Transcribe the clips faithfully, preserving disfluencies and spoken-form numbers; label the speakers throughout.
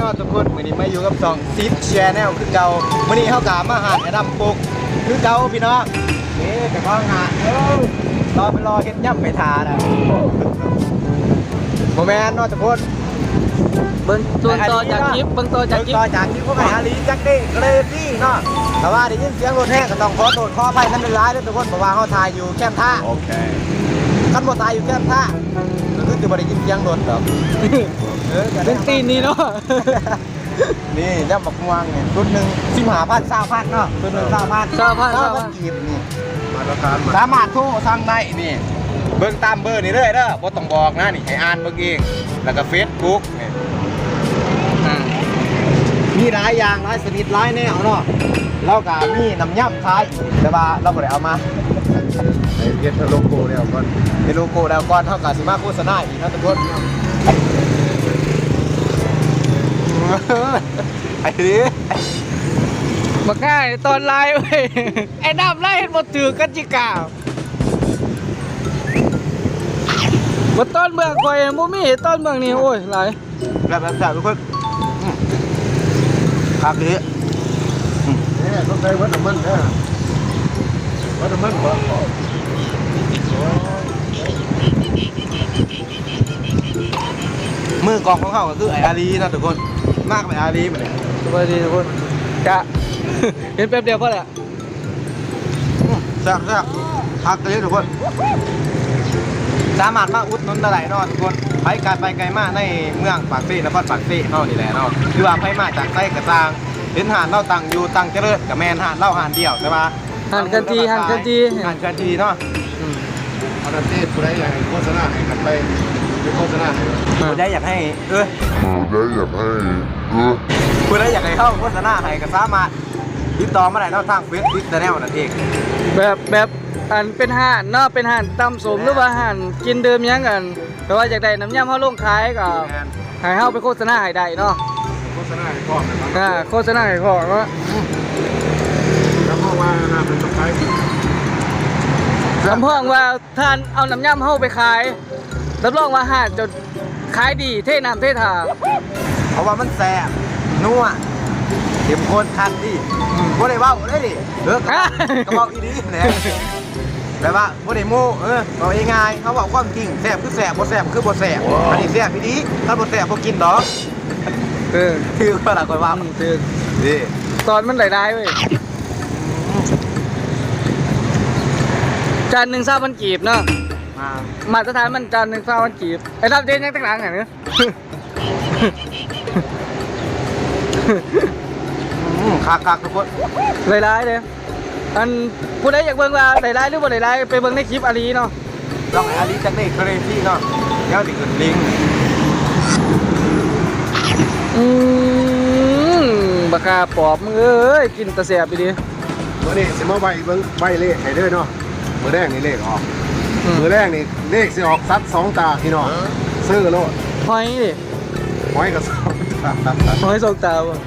Speaker 1: ะทุกคนมื้อนี้มาอยู่กับสองซิปแชนแนลคือเก่ามื้อนี้เฮากะมาหาไอ้ดำปุกคือเก่าพี่น้องนี่แต่ก็หาเอ้ารอไปรอเฮ็ดย่ำไปทาน่ะบ่แม่นเนาะทุกคน
Speaker 2: เบิ่งตัวต่อจากคลิปเบิ่งตัวจากคลิป
Speaker 1: ต่อจากคลิปพวกไอ้อาลีจักเด้เกรซี่เนาะแต่ว่าได้ยินเสียงรถแห้งก็ต้องขอโทษขออภัยนำเป็นร้ายเด้อทุกคนเพราะว่าเฮาถ่ายอยู่แคมป์ท่าโอเคคันบ่ถ่ายอยู่แคมป์ท่าก็คือจะบ่ได้ยินเสียงรถดอกเออ
Speaker 2: เป็นตีนนี่เนาะ
Speaker 1: นี่ย่ำบักม่วงนี่ชุดหนึ่งสิบห้าพันสามพันเนาะชุดหนึ่งสามพันสามพันสามพันกีบนี่มาตรการสามารถโทรสั่งได้นี่เบิ่งตามเบอร์นี่เลยเด้อบ่ต้องบอกนะนี่ให้อ่านเบิ่งเองแล้วก็เฟซบุ๊กนี่มีหลายอย่างหลายชนิดหลายแนวเนาะเราก็มีน้ำย่ำขายแต่ว่าเราบ่ได้เอามาไอ้เฮ็ดโลโก้แล้วก่อนเฮ็ดโลโก้แล้วก่อนเฮาก็สิมาโฆษณาอีกนะทุกคนไอ้ดิ
Speaker 2: บักง่ายตอนไล่เว้ยไอ้น้ำไล่เห็นหมดถือกันจิกาบนต้นเมืองคอยมูมี่ต้นเมืองนี่โอ้ยหลาย
Speaker 1: แบบแบบแบบทุกคนครับดินี่ต้องใช้วัตถุมันนะวัตถุมันบ่มือกองของเขาก็คือไอ้อาลีนะทุกคนมากไปอาลีไปเลย
Speaker 2: สวัสดีทุกคนกะเห็นแป๊บเดียวพอแหละ
Speaker 1: แซ่บแซ่บพักเลยทุกคนสามารถมาอุดหนุนได้เนาะทุกคนไปไกลไปไกลมากในเมืองปากซี่นครปากซี่เฮานี่แหละเนาะคือว่าไปมาจากไส้กระซางเห็นหานเล่าตังอยู่ตังเจริญกับแมนหานเล่าหานเดียวใช่ปะ
Speaker 2: หานกันทีหานกันที
Speaker 1: หานกันทีเนาะเอาประเทศผู้ใดอยากให้โฆษณาให้กันไปโฆษณาผู้ใดอยากให้เออผู้ใดอยากให้เออผู้ใดอยากให้เข้าโฆษณาให้ก็สามารถติดต่อมาได้เนาะทางเฟซบุ๊กแนลนั่นเอง
Speaker 2: แบบแบบอันเป็นห่านเนาะเป็นห่านตำสมหรือว่าห่านกินเดิมยังกันแต่ว่าอยากได้น้ำยำเขาลงขายก็ให้เขาไปโฆษณาให้ได้เนาะ
Speaker 1: โฆษณาให้พ่อ
Speaker 2: อ่าโฆษณาให้พ่อเนาะ
Speaker 1: แล้วพ่อว่าน่าเป็นสกาย
Speaker 2: ลำพ่องว่าท่านเอาน้ำยำเข้าไปขายรับรองว่าห่านจนขายดีเท่น้ำเท่ทา
Speaker 1: เพราะว่ามันแซ่บนัวเต็มข้นคันดิบ่ได้เว้าได้ดิเออกระบอกอีดีเนี่ยแบบว่าบ่ได้โม้เออบอกง่ายๆเขาบอกความจริงแซ่บคือแซ่บบ่แซ่บคือบ่แซ่บอันนี้แซ่บอีดีถ้าบ่แซ่บบ่กินดอก
Speaker 2: เออ
Speaker 1: คือก็ล่ะค่อยว่า
Speaker 2: คือ
Speaker 1: นี่
Speaker 2: ตอนมันไหลได้เว้ยจานหนึ่งสามพันกีบเนาะมาตรฐานมันจานหนึ่งสามพันกีบไอ้รับเด่นยังตั้งหลังไงเนาะ
Speaker 1: คักคักทุกคน
Speaker 2: ไหลได้เลยอันผู้ใดอยากเบิ่งว่าไหลได้หรือบ่ไหลได้ไปเบิ่งในคลิปอาลีเนาะ
Speaker 1: ลองไอ้อาลีจักได้เคยที่เนาะเดี๋ยวสิขึ้นลิงก์
Speaker 2: อืมบักกาปอบมึงเอ้ยกินตะแสบไปดิ
Speaker 1: มื้อนี้สิมาใบเบิ่งใบเลขให้เด้อเนาะมื้อแรกนี่เลขออกมื้อแรกนี่เลขสิออกซัดสองตาพี่น้องซื้อโลด
Speaker 2: หอยดิ
Speaker 1: หอยก็สองตา
Speaker 2: หอยสองตาบ่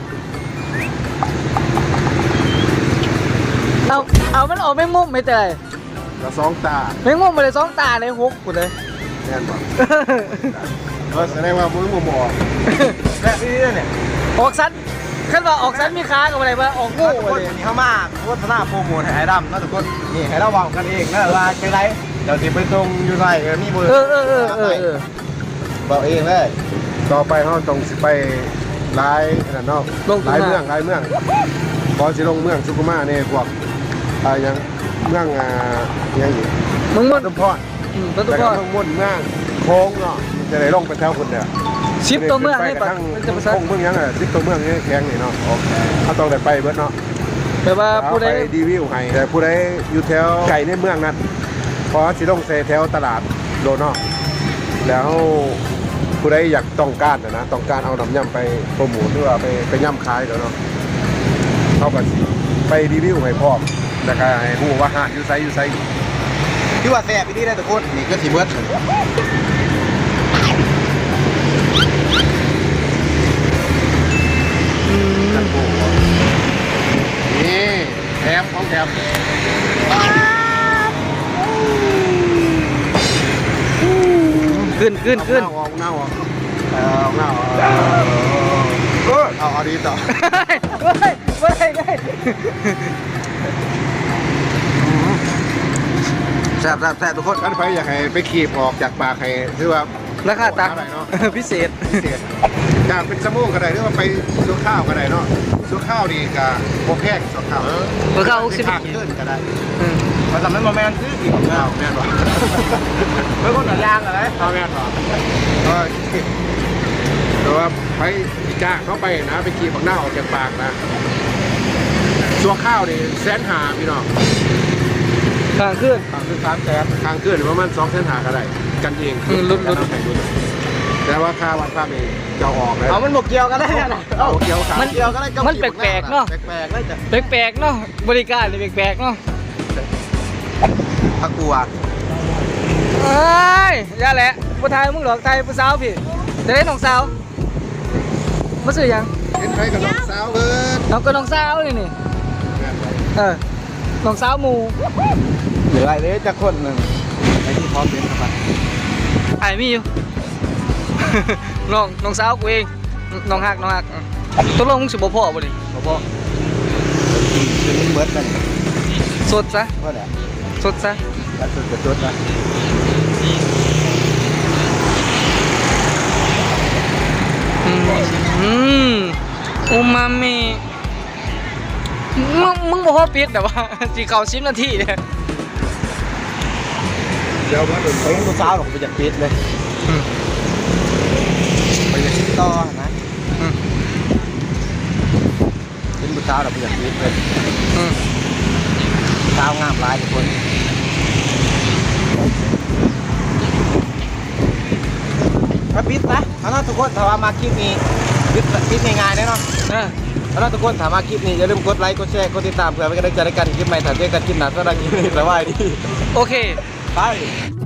Speaker 2: เอาเอามันออกแมงมุมไม่แต่
Speaker 1: ก็สองตา
Speaker 2: แมงมุมมาเลยสองตาเลยหกกูเลย
Speaker 1: แน่นบ่ก็แสดงว่ามึงบ่บ่แบบนี้เนี่ย
Speaker 2: ออกซันขั้นว่าออกซันมีค้ากับอะไรบ้างออกงู
Speaker 1: อะไรนี่เขามาโฆษณาโปรโมทให้ไอ้ดำนะทุกคนนี่ให้เราวางกันเองนะว่าจังไรเดี๋ยวสิไปตรงอยู่ใส่มีเบอร์
Speaker 2: เออเออเออเออ
Speaker 1: บอกเองเลยต่อไปเขาตรงสิไปไล่นั่นเนาะไล่เมืองไล่เมืองพอสิลงเมืองสุขุมาเนี่ยพวกอะไรยังเมืองอ่ายังอยู่
Speaker 2: เมืองมด
Speaker 1: ตุพอด
Speaker 2: ตุพอด
Speaker 1: เมืองมดเมืองโค้งเนาะจะได้ลงไปแถวคนเนี่ย
Speaker 2: ชิปตัวเมืองให้ปั
Speaker 1: งจะมาโค้งเมืองยังไงชิปตัวเมืองนี่แข็งนี่เนาะโอเคเขาต้องได้ไปเบิดเนาะ
Speaker 2: แต่ว่าผู้ใด
Speaker 1: ดีวิวให้แต่ผู้ใดอยู่แถวไก่ในเมืองนั้นพอสิลงเซแถวตลาดโดนเนาะแล้วผู้ใดอยากต้องการนะต้องการเอาน้ำยำไปโปรโมทหรือว่าไปไปย่ำขายเดี๋ยวเนาะเข้ากันสิไปรีวิวให้พร้อมแล้วก็ให้ผู้ว่าหาอยู่ไซอยู่ไซที่ว่าแซ่บอีนี่ได้ทุกคนนี่ก็สีเบิร์ดนี่แถมของแถม
Speaker 2: ขึ้นขึ้นขึ้น
Speaker 1: ออกหน้าออกเออออกหน้าออกเออเอาเอาดีต่อ
Speaker 2: ไม่ไม่ไม่
Speaker 3: แซ่บแซ่บแซ่บทุกคน
Speaker 1: ท่านไฟอยากให้ไปขีบออกจากปากให้คือว่า
Speaker 2: ราคาตัก
Speaker 1: อะไรเนาะ
Speaker 2: พิเศษ
Speaker 1: พิเศษอยากเป็นสมูกก็ได้หรือว่าไปซื้อข้าวก็ได้เนาะซื้อข้าวดีกับโบแพงซื้อข้าว
Speaker 2: เบอร์เก้าหกสิบ
Speaker 1: ทางขึ้นก็ได้
Speaker 2: อืม
Speaker 3: มาทำให้โมเมนต์ซื้ออีก
Speaker 1: ข้าวแม่นบ่
Speaker 3: ไม่คนหนังยางอะไร
Speaker 1: ข้าวแม่นบ่ก็แต่ว่าไปจ้างเขาไปนะไปขีบบักหน้าออกจากปากนะซัวข้าวนี่แสนหาพี่น้อง
Speaker 2: ข้างขึ้น
Speaker 1: ทางคือสามแสนทางขึ้นประมาณสองแสนหาก็ได้กันเอง
Speaker 2: อืมลุ้นๆ
Speaker 1: กันเอาไปลุ้นแต่ว่าค่าวันภาพนี่จะเอาออกแล้ว
Speaker 3: เอามันบกเกี่ยวกันได้นะ
Speaker 1: เอาเกี่ยวขา
Speaker 2: มัน
Speaker 3: เกี่ยวกันได้
Speaker 2: มันแปลกๆเนาะ
Speaker 3: แปลกๆเลยจ้ะ
Speaker 2: แปลกๆเนาะบริการนี่แปลกๆเนาะ
Speaker 3: พักกูอ่ะ
Speaker 2: เอ้ยอย่าแหละผู้ไทยมึงหลอกไทยผู้สาวพี่จะได้น้องสาวมาซื้อยัง
Speaker 1: เห็นใครกับน้องสาวเบิร์ด
Speaker 2: น้องก็น้องสาวนี่นี่เออน้องสาวหมู
Speaker 3: เหลืออะไรเลยจะคนหนึ่งไอ้ที่พร้อมเป็นครับ
Speaker 2: ไอ้มีอยู่ น้องน้องสาวกูเองน้องฮักน้องฮักตกลงมึงสิบ่พ่อบ่ดิ
Speaker 3: พ่อพ่อเป็นเหมือนกัน
Speaker 2: สดซะ
Speaker 3: ว่าเนี่ย
Speaker 2: สดซะ
Speaker 3: การสุดกระจุดนะ
Speaker 2: อืมอืมอูมามิมึงมึงบ่พอปิดแต่ว่า สิเข้าสิบนาทีเนี่ย
Speaker 1: เดี๋ยวเบิร์ด
Speaker 3: เขายังตัวสาวหรอกไปจากปิดเลย
Speaker 2: อืม
Speaker 3: ไปจากปิดต่อนะ
Speaker 2: อืม
Speaker 3: เป็นตัวสาวหรอกไปจากปิดเลย
Speaker 2: อืม
Speaker 3: สาวงามหลายทุกคนมาปิดนะเอาเนาะทุกคนถ้าว่ามาคลิปนี้ปิดปิดง่ายๆแน่นอน
Speaker 2: เออ
Speaker 3: เอาล่ะทุกคนถามมาคลิปนี้อย่าลืมกดไลค์กดแชร์กดติดตามเพื่อเป็นกำลังใจในการคลิปใหม่ถ่ายเจอกันคลิปหน้าสำหรับคลิปนี้สบายดี
Speaker 2: โอเค
Speaker 3: ไป